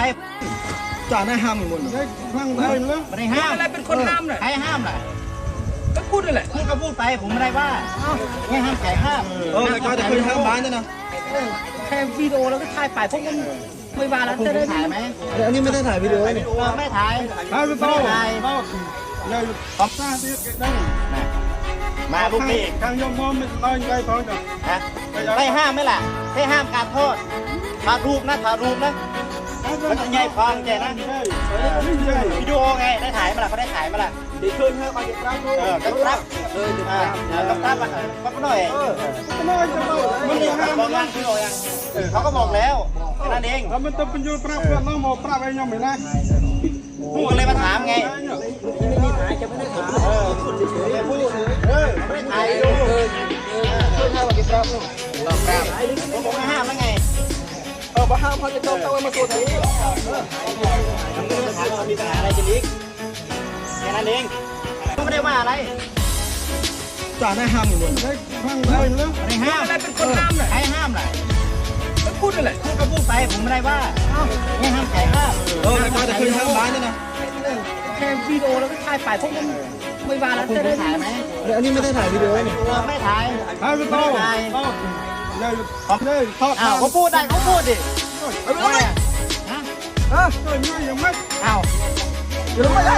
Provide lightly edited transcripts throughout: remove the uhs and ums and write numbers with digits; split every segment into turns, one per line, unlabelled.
จ่าได้ห้ามอยู่หมดห้ามได้เลยไม่ได้ห้ามอะไรเป็นคนห้ามเลยใครห้ามล่ะก็พูดนั่นแหละพูดก็พูดไปผมไม่ได้ว่าไม่ห้ามใครห้ามแต่ก็จะเคยห้ามบ้านด้วยนะแค่วิดีโอแล้วก็ถ่ายไปพวกมันไม่ว่าแล้วจะได้ถ่ายไหมอันนี้ไม่ได้ถ่ายวิดีโอนี่ไม่ถ่ายไม่ถ่ายเลยขอบคุณได้มาลูกนี่ทางยมมอมไม่ได้ไงท้องจ้ะได้ห้ามไหมล่ะได้ห้ามการโทษถ่ายรูปนะถ่ายรูปนะมันจะใหญ่ฟังแกนะวิดีโอไงได้ถ่ายมาล่ะเขาได้ถ่ายมาล่ะดีขึ้นเถอะมาเก็บรับก็รับต้องรับอ่ะก็หน่อยมันได้ห้ามบอกยังพี่โอยังเขาก็บอกแล้วแค่นั้นเองแล้วมันต้องเป็นยูปรับเพื่อนน้องหมอปรับอะไรยังไม่ได้พูดกันเลยมาถามไงไม่ได้ถ่ายจะไม่ได้ถามพูดไม่ได้ถ่ายดูช่วยห้ามมาเก็บรับต้องรับผมบอกไม่ห้ามแล้วไงมาห้ามเขาจะต้องมาตัวนี้มันไม่ได้ถามว่ามีปัญหาอะไรจะลิกแค่นั้นเองไม่ได้ว่าอะไรจ่าได้ห้ามอยู่หมดห้ามได้เลยไม่ห้ามอะไรเป็นคนห้ามเลยใครห้ามล่ะก็พูดนั่นแหละพูดก็พูดไปผมไม่ได้ว่าไม่ห้ามใครห้ามแต่ก็จะเคยห้ามบ้านด้วยนะแค่วิดีโอแล้วก็ถ่ายไปพวกมันไม่ว่าแล้วจะได้ถ่ายไหมอันนี้ไม่ได้ถ่ายวิดีโอนี่ไม่ถ่ายไม่ถ่ายเลยเขาพูดได้เขาพูดดิเอาไปฮะยังไม่เอายังไม่ได้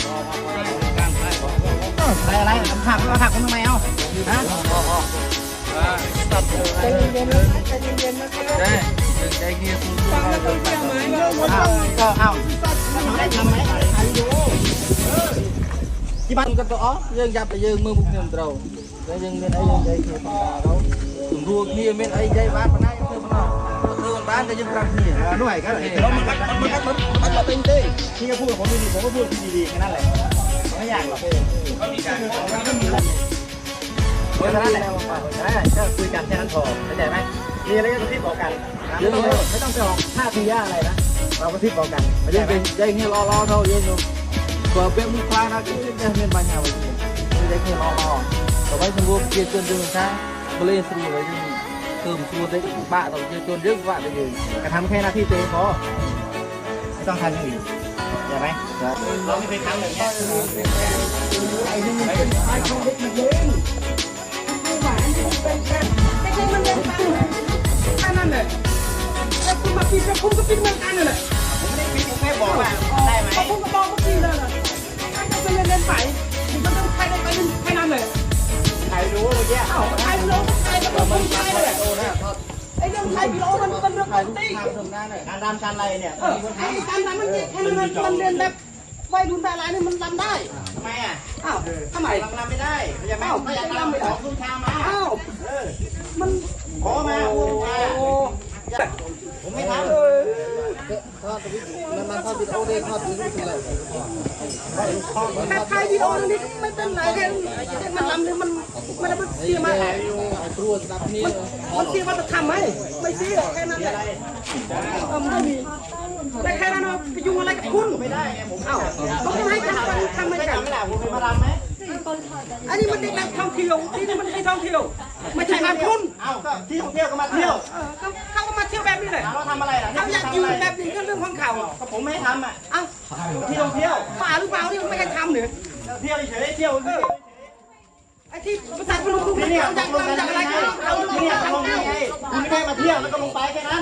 อะไรทำมาถักคนทำไมเอาฮะใจเย็นๆใจเย็นๆนะครับใจเย็นฟังแล้วต้องเชื่อไหมก็เอาได้ทำไหมถ่ายวิดีโอที่บ้านกันต่อยังยับไปยังมือบุกเงินเราแล้วยังเงินไอ้ยังใจเขียวปากเราถึงรัวเขียวเม็ดไอ้ใจบ้านมันได้ยังเธอมันบ้านแต่ยังรักนี่หน่วยก็แล้วมันเป็นเต้ที่จะพูดกับผมดีๆผมก็พูดดีๆแค่นั้นแหละไม่อยากหรอกก็มีการเพราะฉะนั้นแหละก็คุยกันแค่นั้นพอเข้าใจไหมมีอะไรก็ทิปบอกกันไม่ต้องไปออกท่าทีอะไรนะเราก็ทิปบอกกันไม่ใช่เป็นใจเงี้ยรอเท่าเยอะอยู่กว่าเป็นมือควายนะก็จะเงินบางอย่างไม่ได้เงี้ยรอแต่ว่าสมมติเกี่ยวกับเรื่องช้างก็เลยสรุปเลยที่ตื่นตัวได้บ้าต่อเกี่ยวกับเรื่องบ้าไปเลยกระทำแค่หน้าที่เต้พอไม่ต้องทำอย่างอื่นใช่ไหมเราไม่เคยทำแบบนี้ไอ้นี่เป็นไอ้ของเด็กมันเล่นไม่หวานเป็นแค่ไม่ใช่มันเล่นบ้างแค่นั้นเลยแล้วคุณมาปีนแล้วคุณก็ปีนเหมือนกันเลยผมไม่ได้ปีนผมแค่บอกว่าได้ไหมผมก็บอกเมื่อกี้เลยนะถ้าจะเป็นเล่นไปมันต้องใครได้ไปแค่นั้นเลยใครรู้เมื่อกี้ใครรู้ใครก็ต้องใครเลยไอ้เรื่องไทยพี่โอมันเป็นเรื่องปกติการรำการอะไรเนี่ยการรำมันแค่นั้นมันเรียนแบบวัยรุ่นแบบอะไรนี่มันรำได้ทำไมอ่ะอ้าวทำไมรำไม่ได้เข้าใจไหมไม่อยากรำไปขอคุณชามาอ้าวมันขอมาผมไม่ทำมันทอดวิดีโอได้ทอดวิดีโอเลยถ้าใครวิดีโอนี่ไม่เป็นไรแค่มันรำเนี่ยมันได้มันเสียมามันเสียมาจะทำไหมไม่เสียแค่นั้นแหละไม่มีแต่แค่นั้นไปยุ่งอะไรกับคุณไม่ได้ผมเอ้าเขาจะให้ทำไม่ได้ไม่ได้ผมไปมารำไหมอันนี้มันได้แบบท่องเที่ยวที่มันได้ท่องเที่ยวไม่ใช่งานคุณเอ้าก็ที่ท่องเที่ยวก็มาเที่ยวเขาก็มาเที่ยวแบบนี้เลยเขาทำอะไรล่ะเขาอยากอยู่แบบนี้ก็เรื่องของเขาก็ผมไม่ให้ทำอ่ะเอ้าที่ท่องเที่ยวป่าหรือเปล่าที่มันไม่ให้ทำเนี่ยเที่ยวเฉยเที่ยวไอ้ที่ภาษาคุณลุงนี่จากอะไรกันเอาเนี่ยลงนี่ไงคุณไม่ได้มาเที่ยวแล้วก็ลงไปแค่นั้น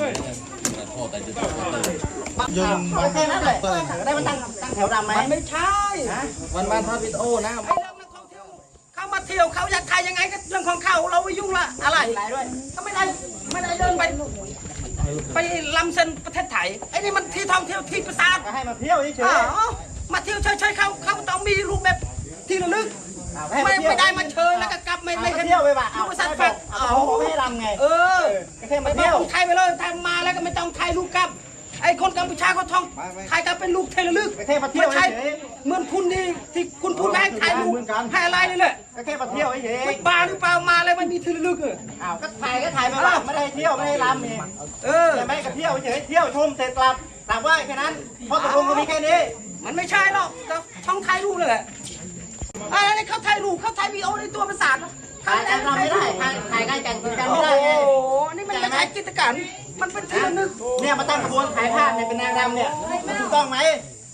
ยังแค่นั้นแหละได้มันตั้งแถวดำไหมมันไม่ใช่วันทอดวิดีโอนะไอ้เรื่องนักท่องเที่ยวเขามาเที่ยวเขาอยากถ่ายยังไงก็เรื่องของเขาเราไม่ยุ่งละอะไรก็ไม่ได้เดินไปลำเส้นประเทศไทยไอ้นี่มันที่ท่องเที่ยวที่ประสาทให้มาเที่ยวเฉยมาเที่ยวเฉยเขาต้องมีรูปแบบที่ระลึกไม่ได้มาเชิญแล้วก็กลับไม่เที่ยวไปบ้าเอาสัตว์แฝงไม่ให้ลำไงแค่มาเที่ยวไทยไปเลยทำมาแล้วก็ไม่ต้องถ่ายรูปกับไอ้คนกัมพูชาเขาท่องถ่ายกันเป็นรูปเทเลลึกไม่ใช่เหมือนคุณนี่ที่คุณพูดให้ถ่ายรูปให้อะไรนี่แหละแค่มาเที่ยวเฉยบ้าหรือเปล่ามาแล้วมันมีเทเลลึกอ้าวก็ถ่ายไปว่าไม่ได้เที่ยวไม่ได้ลำเองแต่ไม่ก็เที่ยวเฉยเที่ยวชมเสร็จกลับไหว้แค่นั้นเพราะตกลงก็มีแค่นี้มันไม่ใช่หรอกช่องถ่ายรูปเลยแหละอะไรเขาถ่ายรูปเขาถ่ายวีดีโอในตัวประสาทถ่ายกันไม่ได้ถ่ายกันไม่ได้โอ้โหนี่มันไม่ใช่กิจการมันเป็นที่ระลึกเนี่ยมาตั้งขบวนขายผ้าเนี่ยเป็นนางรำเนี่ยมันถูกต้องไหม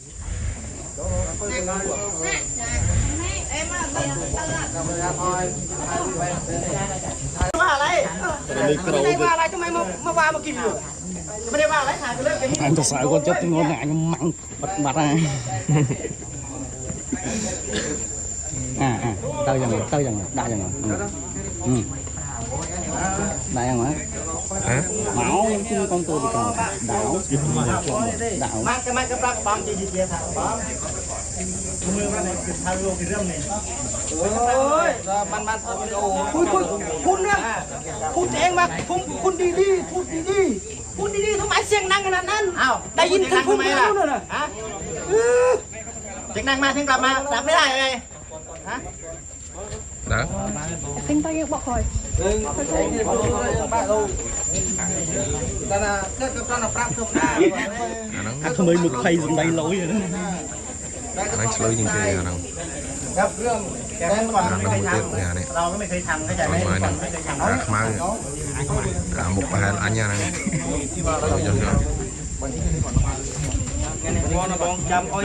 ว่าอะไรไม่ได้ว่าอะไรทำไมมาว่ามากินอยู่ไม่ได้ว่าอะไรถ่ายไปเรื่องกันนี่
anh thật sự con chết tiếng ngôn ngại nhưng mặn bật mặt ra tao dần đa dần đại dần hả máu chứ con tôi bị còn đảo đảo
มันก็ปรับความจริงๆครับมือมันคือทางโลกเรื่องนี้โอ้ยมันโอ้คุณเนี่ยพูดเองมาคุณดีๆพูดดีๆทำไมเสียงดังขนาดนั้นอ้าวได้ยินคุณพูดไหมล่ะฮะเสียงดังมาเสียงกลับมารับไม่ได้ไงฮะ
đó
Tinh tay bọc khỏi.
không mấy một khay dùng tay lỗi rồi đó
nó chơi những cái nào
ครับเรื่องแกเมื่อก่อนไม่เคยทำเราก็ไม่เคยทำเข้าใจไหมเมื่อก่อนไม่เคยทำ
khmau cả một bài anh nha này rồi cho cho
บอลบองจำเอา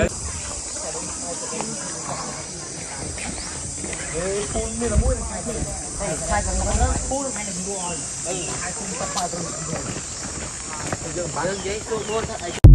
ปูนนี่ละมุ้ยใช่กันแล้วปูนไม่ได้ดูอ่อนใช่คุณตะปาตัวเยอะไปเยอะตัว